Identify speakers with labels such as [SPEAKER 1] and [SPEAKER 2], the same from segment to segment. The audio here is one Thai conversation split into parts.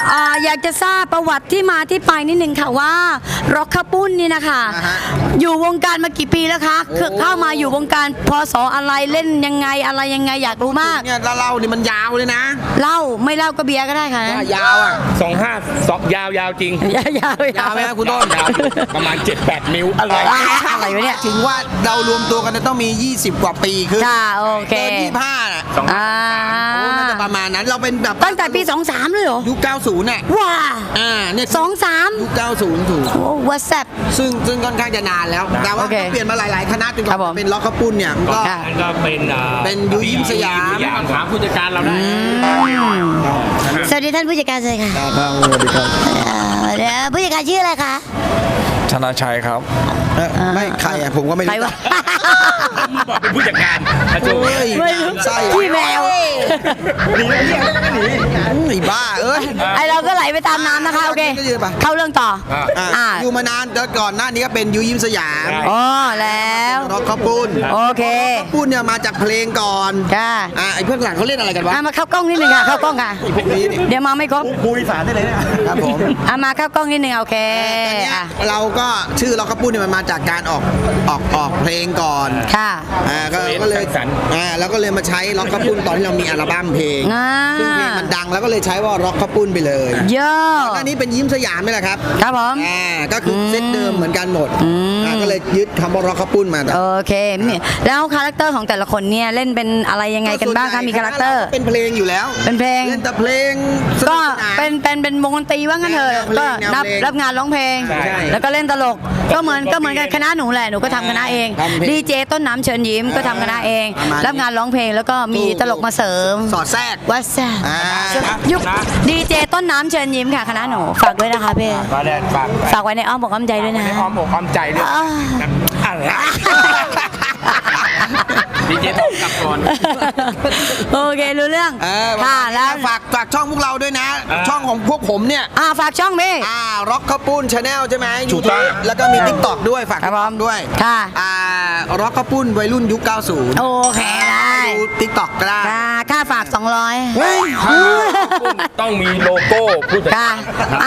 [SPEAKER 1] อยากจะทราบประวัติที่มาที่ไปนิดนึงค่ะว่าร็อกข้าวปุ้นนี่นะคะอยู่วงการมากี่ปีแล้วคะเข้ามาอยู่วงการพศอะไรเล่นยังไงอะไรยังไงอยากรู้มาก
[SPEAKER 2] เนี่ยเล่านี่มันยาวเลยนะ
[SPEAKER 1] เล่าไม่เล่าก็เบียร์ก็ได้ค่ะ
[SPEAKER 2] ยาวอ่ะ
[SPEAKER 3] ยาวจริง
[SPEAKER 1] ยาว
[SPEAKER 2] ไหมครับคุณต้น
[SPEAKER 3] ประมาณ 7-8 นิ้วอะไร
[SPEAKER 1] วะเนี่ย
[SPEAKER 2] ถึงว่าเรารวมตัวกันต้องมี20 กว่าปีคือ
[SPEAKER 1] ค่ะโอเค
[SPEAKER 2] เกิน25น่ะน่าจะประมาณนั้นเราเป็นแบบ
[SPEAKER 1] ตั้งแต่ปี23เลยเหรอ
[SPEAKER 2] ยุค90น่ะ
[SPEAKER 1] ว้า
[SPEAKER 2] เนี่ย
[SPEAKER 1] 23
[SPEAKER 2] ยุค90ถูก
[SPEAKER 1] โอ้วัดแซ่บ
[SPEAKER 2] ซึ่งค่อนข้างจะนานแล้วแต่ว่าเปลี่ยนมาหลายๆคณะจนกว่าเป็นล็อกข้าวปุ้นเนี่ย
[SPEAKER 3] ก็เป็น
[SPEAKER 2] ยูยิ้มสยาม
[SPEAKER 3] ถามผู้จัดการเราได้
[SPEAKER 1] สวัสดีท่านผู้จัดการเลยค่ะ
[SPEAKER 2] สวัสดีครับ
[SPEAKER 1] เดี๋ยวผู้จัดการชื่ออะไรคะ
[SPEAKER 4] ธนาชัยครับ
[SPEAKER 2] ไม่ใครผมก็ไม่รู้
[SPEAKER 3] เป็นผู้จัดการ
[SPEAKER 1] ไม่รู้พี่แมว
[SPEAKER 2] หนีบ้า
[SPEAKER 1] ไอเราก็ไหลไปตามน้ำนะคะโอเคเข้าเรื่องต่อ
[SPEAKER 2] อยู่มานานแล้วก่อนหน้านี้ก็เป็นยูยิ้มสยาม
[SPEAKER 1] อ๋อแล้ว
[SPEAKER 2] ร็อกข้าวปุ้น
[SPEAKER 1] โอเค
[SPEAKER 2] ข้าวปุ้นเนี่ยมาจากเพลงก่อน
[SPEAKER 1] ค่ะ
[SPEAKER 2] ไอเพื่อนหลังเขาเล่นอะไรกันวะ
[SPEAKER 1] มาเข้ากล้องนิดนึงค่ะเข้ากล้องค่ะเดี๋ยวมาไม่ครบ
[SPEAKER 2] คุยสารได้เลยนะครับผม
[SPEAKER 1] มาเข้ากล้องนิดนึงโอเค
[SPEAKER 2] เราก็ชื่อร็อกข้าวปุ้นเนี่ยมันมาจากการออกเพลงก่อน
[SPEAKER 1] ค่ะ
[SPEAKER 2] ก็เลยแล้วก็เลยมาใช้ร็อกข้าวปุ้นตอนที่เรามีอัลบั้มเพลงซึ่งเพลงมันดังแล้วก็เลยใช้ว่าร็อกข้าวปุ้นไปเลย
[SPEAKER 1] เยอะ
[SPEAKER 2] อันนี้เป็นยิ้มสยามนี่แหละครับ
[SPEAKER 1] ครับผม
[SPEAKER 2] ก็คือเซตเดิมเหมือนกันหมดก็เลยยึดคำว่าร็อกข้าวปุ้นมา
[SPEAKER 1] โอเคแล้วคาแรคเตอร์ของแต่ละคนเนี่ยเล่นเป็นอะไรยังไงกันบ้างคะมีคาแรคเตอร์
[SPEAKER 2] เป็นเพลงอยู่แล้ว
[SPEAKER 1] เป็นเพลง
[SPEAKER 2] เล่นแต่เพลง
[SPEAKER 1] ก็เป็นวงดนตรีว่างั้นเถอะก็รับงานร้องเพลงแล้วก็เล่นตลกก็เหมือนกันคณะหนูแหละหนูก็ทำคณะเองดีเจต้นน้ำเชิญยิ้มก็ทำคณะเองรับงานร้องเพลงแล้วก็มีตลกมาเสริม
[SPEAKER 2] สอดแทรก
[SPEAKER 1] วัดแซ่ยุคดีเจต้นน้ำเชิญยิ้มค่ะคณะหนูฝากด้วยนะคะพี่ฝากไว้ในอ้อมอกอ้อมใจด้วยนะ
[SPEAKER 3] อ้อมอกอ้อมใจด้วยอะไรดีเจต้องกลับก่อน
[SPEAKER 1] โอเครู้เรื่อง
[SPEAKER 2] ค่ะแล้วฝากช่องพวกเราด้วยนะช่องของพวกผมเนี่ย
[SPEAKER 1] ฝากช่องพี่
[SPEAKER 2] ร็อกข้าวปุ้นชาแนลใช่ไหม
[SPEAKER 3] ถูกต้อง
[SPEAKER 2] แล้วก็มี TikTok ด้วยฝากพร้อมด้วย
[SPEAKER 1] ค่ะ
[SPEAKER 2] ร็อกข้าวปุ้นวัยรุ่นยุค90
[SPEAKER 1] โอเคได้
[SPEAKER 2] ดู TikTok ก็ได้
[SPEAKER 1] ค่าฝาก200
[SPEAKER 3] ต้องมีโลโก้ผู้จัดการ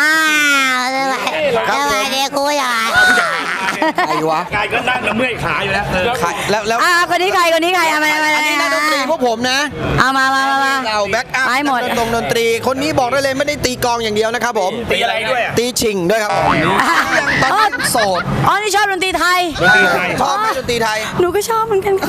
[SPEAKER 1] อะไรเนี่ยกูอยาก
[SPEAKER 2] ใครวะ
[SPEAKER 3] กายก็นั่งแล้วเมื่อยขาอยู่แล้ว
[SPEAKER 2] แล้ว
[SPEAKER 1] คนนี้ใครอันนี้
[SPEAKER 2] นักดนตรีพวกผมนะ
[SPEAKER 1] มา
[SPEAKER 2] เราแบ็คอัพ
[SPEAKER 1] หมด
[SPEAKER 2] ดนตรีคนนี้บอกได้เลยไม่ได้ตีกลองอย่างเดียวนะครับผม
[SPEAKER 3] ตีอะไรด้วย
[SPEAKER 2] ตีชิงด้วยครับตอนโสด
[SPEAKER 1] นี่ชอบดนตรีไทย
[SPEAKER 2] ชอบดนตรีไทย
[SPEAKER 1] หนูก็ชอบเหมือนกัน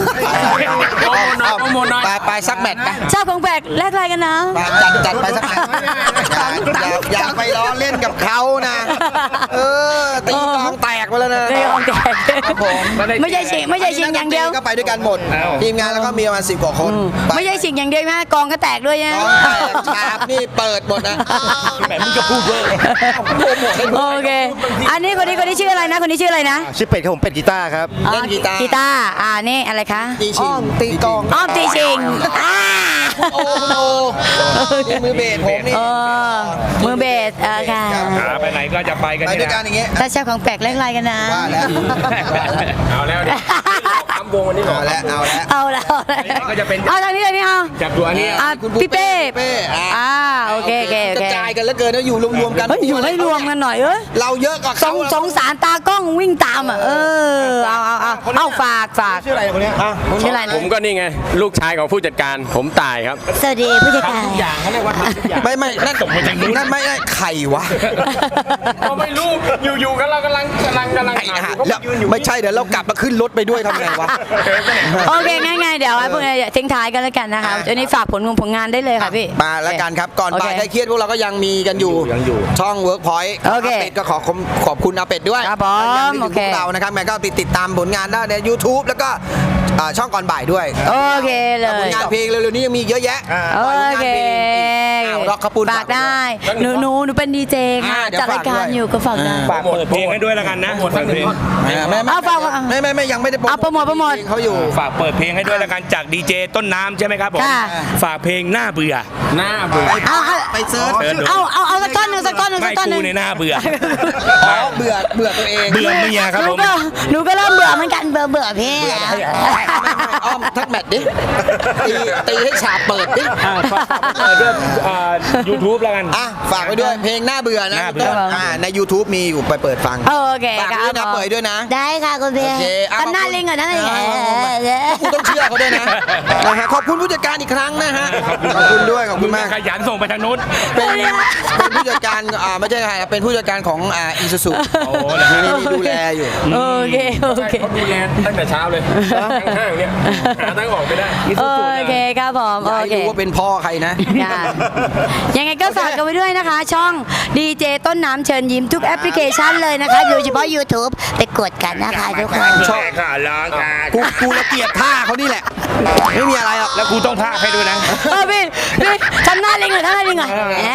[SPEAKER 2] ไปสักแมตช์
[SPEAKER 1] ชอบของแปลกแลกอะไรกันนะ
[SPEAKER 2] จัดไปสักแมตช์อย่าไปล้อเล่นกับเขานะตีกลองแตกไปแล้วนะ
[SPEAKER 1] ไม่ใช่ชิงอย่างเดียว
[SPEAKER 2] ก็ไปด้วยกันหมดทีมงานแล้วก็มีประมาณ10 กว่าคน
[SPEAKER 1] ไม่ใช่ชิงอย่างเดียวนะกองก็แตกด้วยนะ
[SPEAKER 2] ฉากนี่เปิดหมดนะ
[SPEAKER 3] แบบมึงจะพูดเยอะ
[SPEAKER 1] โอเคอันนี้คนนี้ชื่ออะไรนะคนนี้ชื่ออะไรนะ
[SPEAKER 4] ชื่อเป็ดครับผมเป็ดกีตาร์ครับ
[SPEAKER 2] เล่นกีตาร์
[SPEAKER 1] นี่อะไรคะ
[SPEAKER 2] อ้อมตีกลอง
[SPEAKER 1] ตีชิง
[SPEAKER 2] โอ้โหมือเบสผมนี่
[SPEAKER 1] มือเบสค่ะ
[SPEAKER 3] ไปไหนก็จะไปกัน
[SPEAKER 2] ด้วยกันอย่างเงี้ย
[SPEAKER 1] ถ้าชอบของแปลกเล่นอะไรกันนะ
[SPEAKER 3] เอาแล้วทำวงวันนี้
[SPEAKER 2] เอาแล้ว
[SPEAKER 3] ก็จะเป็น
[SPEAKER 1] ทางนี้เลยนี่
[SPEAKER 3] จับตัวนี้
[SPEAKER 1] พี่เป้โอเค
[SPEAKER 2] กระจายกันแล้วเกินแล้วอยู่รวมกัน
[SPEAKER 1] อยู่ให้รวมกันหน่อย
[SPEAKER 2] เราเยอะกว่าเขา
[SPEAKER 1] สงสารตากล้องวิ่งตามเอาฝาก
[SPEAKER 2] ชื่ออะไรคนนี้
[SPEAKER 1] ชื่ออะไร
[SPEAKER 3] ผมก็นี่ไงลูกชายของผู้จัดการผมตายครับ
[SPEAKER 1] สวัสดีผู้จัดการ
[SPEAKER 3] ทุกอย่างเขาเรียกว่าทำทุกอย่าง
[SPEAKER 2] ไม่นั่นไม่ใครวะ
[SPEAKER 3] เราไม่รู้อยู่กันเรากำลัง
[SPEAKER 2] แล้วไม่ใช่เดี๋ยวเรากลับมาขึ้นรถไปด้วยทำไงวะ
[SPEAKER 1] โอเคง่ายๆเดี๋ยวพวกนี้ทิ้งท้ายกันแล้วกันนะคะวันนี้ฝากผลงานได้เลยค่ะพี่
[SPEAKER 2] มาแล้วกันครับก่อนบ่ายใกล้เครียดพวกเราก็ยังมีกันอยู่ช่อง Workpoint เป็ดก็ขอบคุณอาเป็ดด้วย
[SPEAKER 1] ครับผมโอเค
[SPEAKER 2] เรานะครับแม่ก็ติดตามผลงานได้ใน YouTube แล้วก็ช่องก่อนบ่ายด้วย
[SPEAKER 1] โอเคเลย
[SPEAKER 2] ผลงานเพลงเร็วๆนี้ยังมีเยอะแยะ
[SPEAKER 1] โอเค
[SPEAKER 2] ร็อกข้าวปุ้น
[SPEAKER 1] ฝากได้หนูเป็นดีเจค่ะจัดรายการอยู่ก็ฝากได้
[SPEAKER 3] ฝากเปิดเพลงให้ด้วยแล้วกันนะหมดเพลง
[SPEAKER 2] ไม่ยังไม่ได้
[SPEAKER 1] โปรโมท
[SPEAKER 2] เขาอยู่
[SPEAKER 3] ฝากเปิดเพลงให้ด้วยแล้วกันจากดีเจต้นน้ำใช่ไหมครับผมฝากเพลงหน้าเบื่อ
[SPEAKER 2] ไปเซิร์ช
[SPEAKER 1] เอาสักท่อนหนึ่ง
[SPEAKER 3] ไม่กูในหน้าเบื่อ
[SPEAKER 2] เบื่อตัวเอง
[SPEAKER 3] เบื่อเมียครับผม
[SPEAKER 1] หนูก็เริ่มเบื่อเหมือนกันเบื่อพี่
[SPEAKER 2] อ้อมทักแมทดิตีให้ฉาบเปิดดิ
[SPEAKER 3] YouTube แล้วกัน
[SPEAKER 2] อ่ะฝากไว้ด้วยเพลงหน้าเบื่อนะ
[SPEAKER 3] หน้าเบื่อ
[SPEAKER 2] ใน YouTube มีอยู่ไปเปิดฟัง
[SPEAKER 1] โอเค
[SPEAKER 2] ฝาก
[SPEAKER 1] ค
[SPEAKER 2] ด้
[SPEAKER 1] รั
[SPEAKER 2] วยนะ
[SPEAKER 1] บ
[SPEAKER 2] เปิดด้วยนะ
[SPEAKER 1] ได้ค่ะคุณเบีย
[SPEAKER 2] โอเคอ่ะ
[SPEAKER 1] ทำหน้าลิงก่อนนะเนี่ย
[SPEAKER 2] กูต้องเชื่อเขาด้วยนะนะฮะขอบคุณผู้จัดการอีกครั้งนะฮะขอบคุณด้วยขอบคุณมาก
[SPEAKER 3] ขยันส่งไปทางนู้น
[SPEAKER 2] เป็นผู้จัดการไม่ใช่ใครครับเป็นผู้จัดการของอีซูซู
[SPEAKER 3] โอ้เหรอ
[SPEAKER 2] นี่ดูแลอยู่
[SPEAKER 1] โอเคโอเค
[SPEAKER 3] เขาดูแลตั้งแต่เช้าเลยทั้งห้างเนี่ยหาทางออกไม่ได้
[SPEAKER 1] โอเคครับผม
[SPEAKER 2] อย่า
[SPEAKER 1] โอ
[SPEAKER 2] ให้
[SPEAKER 1] เค
[SPEAKER 2] รู้ว่าเป็นพ่อใครนะ
[SPEAKER 1] ค่ะยังไงก็ฝากกันไว้ด้วยนะคะ ช่องดีเจต้นน้ำเชิญยิ้มทุกแอปพลิเคชันเลยนะคะโดยเฉพาะ YouTube ไปกดกันนะคะทุกคน
[SPEAKER 2] ชอบ
[SPEAKER 3] ค่ะร้องค่ะ
[SPEAKER 2] กูละเกียดท่าเขานี่แหละ ไม่มีอะไรหรอก
[SPEAKER 3] แล้วกูต้องพากให้ด้วยนะ
[SPEAKER 1] พี่ทำหน้าลิงหน่อยทำหน้าลิงหน่อย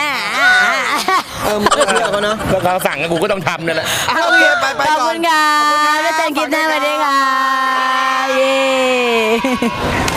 [SPEAKER 2] มึงก็เชื่อเขาเนาะ
[SPEAKER 3] ก็เขาสั่งกูก็ต้องทำนั่นแหละ
[SPEAKER 2] โอเคไป
[SPEAKER 1] ขอบ
[SPEAKER 2] ก่อ
[SPEAKER 1] คุ
[SPEAKER 2] น
[SPEAKER 1] ณค่ะแล้วเจอกันคลิปหน้าสวัสดีค่ะเย้